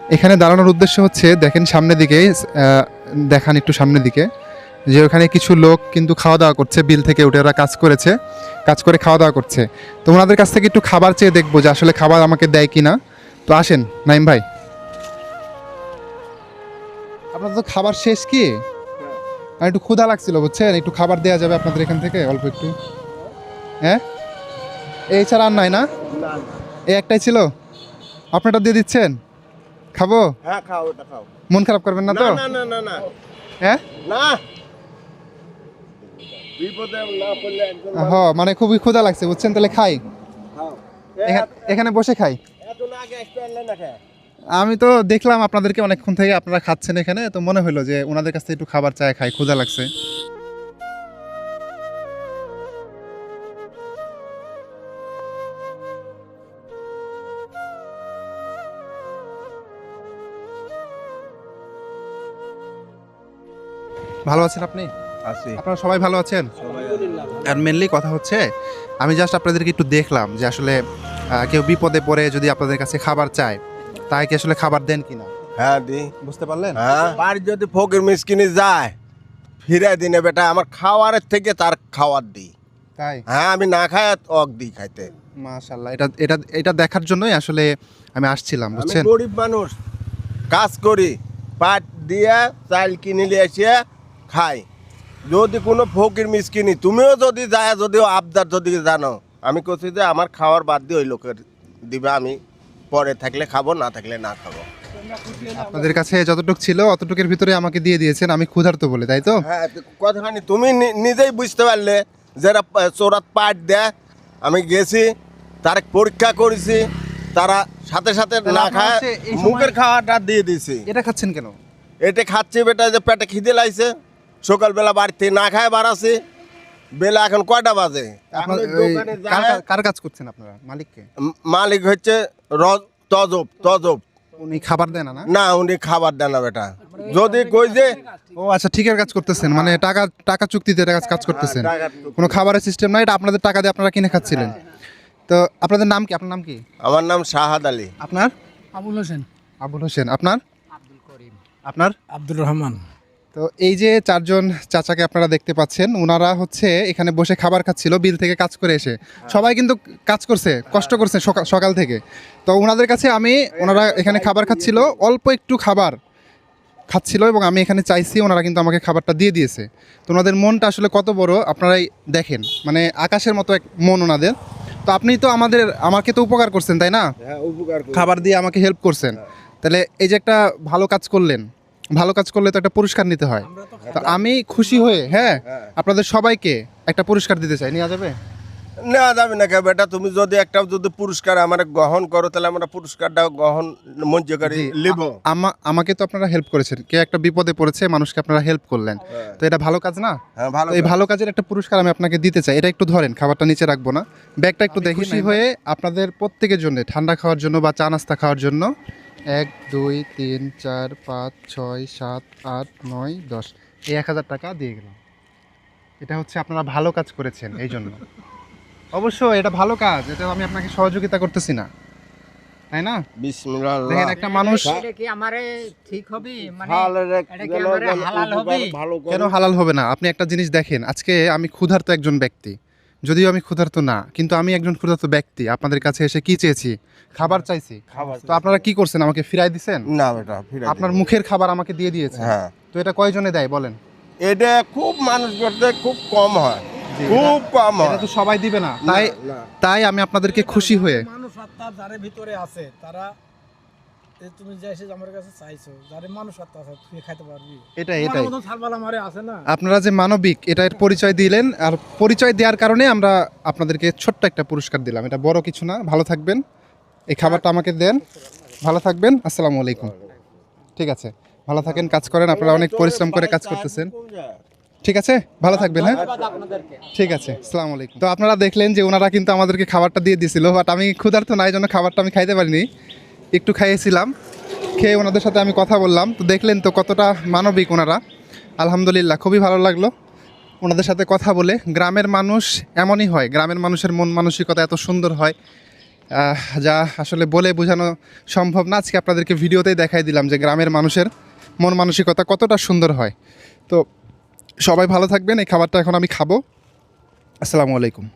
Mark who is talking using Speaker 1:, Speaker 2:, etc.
Speaker 1: এখানে দাঁড়ানোর উদ্দেশ্য হচ্ছে দেখেন সামনের দিকে, দেখান একটু সামনের দিকে, যে ওখানে কিছু লোক কিন্তু খাওয়া দাওয়া করছে, বিল থেকে উঠে ওরা কাজ করেছে, কাজ করে খাওয়া দাওয়া করছে। তো ওনাদের কাছ থেকে একটু খাবার চেয়ে দেখবো যে আসলে খাবার আমাকে দেয় কি না। তো আসেন নাইম ভাই, আপনার তো খাবার শেষ কি? আর একটু ক্ষুধা লাগছিল বুঝছেন, একটু খাবার দেওয়া যাবে আপনাদের এখান থেকে অল্প একটু? হ্যাঁ, এই ছাড়া আর নাই না? এই একটাই ছিল, আপনারটা দিয়ে দিচ্ছেন, খাবো?
Speaker 2: হ্যাঁ খাও, ওটা খাও।
Speaker 1: মন খারাপ করবেন না তো?
Speaker 2: না না না না
Speaker 1: হ্যাঁ,
Speaker 2: না, বিপদে না পড়লে একজন
Speaker 1: মানে খুবই ক্ষুধা লাগছে বুঝছেন, তাহলে খাই,
Speaker 2: খাও।
Speaker 1: এখানে বসে খাই।
Speaker 2: এত না আগে আসতে পারলে না খায়।
Speaker 1: আমি তো দেখলাম আপনাদেরকে অনেকক্ষণ থেকে আপনারা খাচ্ছেন এখানে, তো মনে হলো যে ওনাদের কাছ থেকে একটু খাবার চাই, খাই, ক্ষুধা লাগছে। ভালো আছেন আপনি?
Speaker 2: আসি
Speaker 1: আপনারা সবাই ভালো আছেন? আর মেনলি কথা হচ্ছে, আমি জাস্ট আপনাদেরকে একটু দেখলাম যে আসলে কেউ বিপদে পড়ে যদি আপনাদের কাছে খাবার চায়, তাই কি আসলে খাবার দেন কিনা,
Speaker 2: হ্যাঁ দি
Speaker 1: বুঝতে পারলেন?
Speaker 2: হ্যাঁ, বাড়ি যদি ফকির মিসকিনি যায় ফিরে দিনে বেটা আমার খাওয়ারের থেকে তার খাওয়ার দিই।
Speaker 1: তাই?
Speaker 2: হ্যাঁ, আমি না খাই অক দিই খাইতে।
Speaker 1: মাশাআল্লাহ, এটা এটা এটা দেখার জন্যই আসলে আমি আসছিলাম
Speaker 2: আমি
Speaker 1: বুঝছেন।
Speaker 2: গরিব মানুষ, কাজ করি, পাট দিয়ে চাল কিনে নিয়ে এসে খাই। যদি কোনো ফকির মিসকিনি তুমিও যদি যায়, যদিও আবদার যদি জানো, আমি কছি যে আমার খাওয়ার বাদ দিয়ে ওই লোকের দিবে, আমি পরে থাকলে খাবো, না থাকলে না খাবো।
Speaker 1: আপনাদের কাছে যতটুকু ছিল অতটুকুর ভিতরে আমাকে দিয়ে দিয়েছেন, আমি ক্ষুধার্ত বলে, তাই তো?
Speaker 2: হ্যাঁ, তো কতখানি তুমি নিজেই বুঝতে পারলে, যারা চোরাত পাট দেয়, আমি গেছি, তার পরীক্ষা করেছি, তারা সাথে সাথে
Speaker 1: তাহলে
Speaker 2: না
Speaker 1: আপনার
Speaker 2: খায়
Speaker 1: হচ্ছে এই সময়-
Speaker 2: মুখের খাওয়াটা দিয়ে দিছি।
Speaker 1: এটা খাচ্ছেন কেন?
Speaker 2: এটা খাচ্ছি বেটা, যে পেটে খিদে লাগছে, সকালবেলা বাড়িতে না খায় বাড়াছি, বেলা এখন কয়টা বাজে, এখন
Speaker 1: আপনার
Speaker 2: ওই দোকানে যায়,
Speaker 1: কার কাজ করছেন আপনারা, মালিককে?
Speaker 2: মালিক হচ্ছে তজব তজব।
Speaker 1: উনি খাবার দেন না?
Speaker 2: না, উনি খাবার দেন না বেটা, যদি কই যে
Speaker 1: ও আচ্ছা, ঠিকের কাজ করতেছেন, মানে টাকা টাকা চুক্তিতে কাজ করতেছেন,
Speaker 2: টাকার চুক্তি।
Speaker 1: কোনো খাবারের সিস্টেম নাই, এটা আপনাদের টাকা দিয়ে আপনারা কিনে খাচ্ছিলেন। তো আপনাদের নাম কি? আপনার নাম কি?
Speaker 2: আমার নাম শাহাদ আলী।
Speaker 1: আপনার?
Speaker 3: আবুল হোসেন।
Speaker 1: আবুল হোসেন। আপনার? আপনার?
Speaker 3: আব্দুর রহমান।
Speaker 1: তো এই যে চারজন চাচাকে আপনারা দেখতে পাচ্ছেন, ওনারা হচ্ছে এখানে বসে খাবার খাচ্ছিল বিল থেকে কাজ করে এসে। সবাই কিন্তু কাজ করছে, কষ্ট করছে সকাল থেকে। তো ওনাদের কাছে ওনারা এখানে খাবার খাচ্ছিল, অল্প একটু খাবার খাচ্ছিল এবং আমি এখানে চাইছি, ওনারা কিন্তু আমাকে খাবারটা দিয়ে দিয়েছে। তো ওনাদের মনটা আসলে কত বড় আপনারাই দেখেন, মানে আকাশের মতো এক মন ওনাদের। তো আপনি তো আমাকে তো উপকার করছেন তাই না,
Speaker 2: হ্যাঁ, উপকার
Speaker 1: খাবার দিয়ে আমাকে হেল্প করছেন, তাহলে এই যে একটা ভালো কাজ করলেন, ভালো কাজ করলে তো একটা পুরস্কার নিতে হয়। তো আমি খুশি হয়ে আপনাদের সবাইকে একটা পুরস্কার দিতে চাই, নেওয়া যাবে?
Speaker 2: নেওয়া যাবে না কে বেটা, তুমি যদি একটা যদি পুরস্কার আমার গ্রহণ করো, তাহলে আমরা পুরস্কারটা গ্রহণ মঞ্জ করে
Speaker 1: জি,
Speaker 2: লিব।
Speaker 1: আমাকে তো আপনারা হেল্প করেছেন, কে একটা বিপদে পড়েছে, মানুষকে আপনারা হেল্প করলেন, তো এটা ভালো কাজ না?
Speaker 2: হ্যাঁ, ভালো
Speaker 1: তো এই ভালো কাজের একটা পুরস্কার আমি আপনাকে দিতে চাই, এটা একটু ধরেন, খাবারটা নিচে রাখবো না, ব্যাগটা একটু দেখি। খুশি হয়ে আপনাদের প্রত্যেকের জন্য ঠান্ডা খাওয়ার জন্য বা চা নাস্তা খাওয়ার জন্য 1 2 3 4 5 6 7 8 9 10 এই 1000 টাকা দিয়ে গেলাম। এটা হচ্ছে আপনারা ভালো কাজ করেছেন এই জন্য। অবশ্যই এটা ভালো কাজ, এটা আমি আপনাকে সহযোগিতা করতেছি না, তাই না?
Speaker 2: বিসমিল্লাহ।
Speaker 1: দেখেন একটা মানুষ
Speaker 3: এটা কি আমারে ঠিক হবে, মানে
Speaker 2: ভালো
Speaker 3: এটা কি আমারে হালাল হবে?
Speaker 2: ভালো
Speaker 1: কেন হালাল হবে না? আপনি একটা জিনিস দেখেন, আজকে আমি ক্ষুধার্ত একজন ব্যক্তি, যদিও আমি ক্ষুধার্ত না, কিন্তু আমি একজন ক্ষুধার্ত ব্যক্তি, আপনাদের কাছে এসে কি চেয়েছি? খাবার চাইছি।
Speaker 2: খাবার
Speaker 1: তো আপনারা কি করছেন? আমাকে ফিরাই দিছেন।
Speaker 2: না বেটা, ফিরে
Speaker 1: আপনার মুখের খাবার আমাকে দিয়ে দিয়েছে।
Speaker 2: হ্যাঁ,
Speaker 1: তো এটা কয়জনে দেয় বলেন?
Speaker 2: এটা খুব মানুষ করতে খুব কম হয়,
Speaker 1: জি,
Speaker 2: খুব কম
Speaker 1: এটা
Speaker 2: হয়।
Speaker 1: তো সবাই দিবে না, তাই
Speaker 2: না।
Speaker 1: তাই আমি আপনাদেরকে খুশি হয়ে,
Speaker 3: মানুষ আত্মা যারে ভিতরে আছে তারা, তুমি যে এসে আমার কাছে চাইছো, যারে মানুষ আত্মা আছে তুই খাইতে পারবি।
Speaker 1: এটাই
Speaker 3: তোমার মতন ছালবালা মারে আছে না।
Speaker 1: আপনারা যে মানবিক, এটার পরিচয় দিলেন, আর পরিচয় দেওয়ার কারণে আমরা আপনাদেরকে ছোট্ট একটা পুরস্কার দিলাম, এটা বড় কিছু না। ভালো থাকবেন, এই খাবারটা আমাকে দেন, ভালো থাকবেন, আসসালামু আলাইকুম। ঠিক আছে, ভালো থাকেন, কাজ করেন, আপনারা অনেক পরিশ্রম করে কাজ করতেছেন। ঠিক আছে, ভালো থাকবেন। হ্যাঁ, ঠিক আছে, আসসালামু আলাইকুম। তো আপনারা দেখলেন যে ওনারা কিন্তু আমাদেরকে খাবারটা দিয়ে দিয়েছিল, বাট আমি ক্ষুধার্ত না, এই জন্য খাবারটা আমি খাইতে পারিনি, একটু খাইয়েছিলাম, খেয়ে ওনাদের সাথে আমি কথা বললাম। তো দেখলেন তো কতটা মানবিক ওনারা, আলহামদুলিল্লাহ, খুবই ভালো লাগলো ওনাদের সাথে কথা বলে। গ্রামের মানুষ এমনই হয়, গ্রামের মানুষের মন মানসিকতা এত সুন্দর হয়, যা আসলে বলে বোঝানো সম্ভব না। আজকে আপনাদেরকে ভিডিওতেই দেখাই দিলাম যে গ্রামের মানুষের মন মানসিকতা কতটা সুন্দর হয়। তো সবাই ভালো থাকবেন। এই খাবারটা এখন আমি খাবো। আসসালামু আলাইকুম।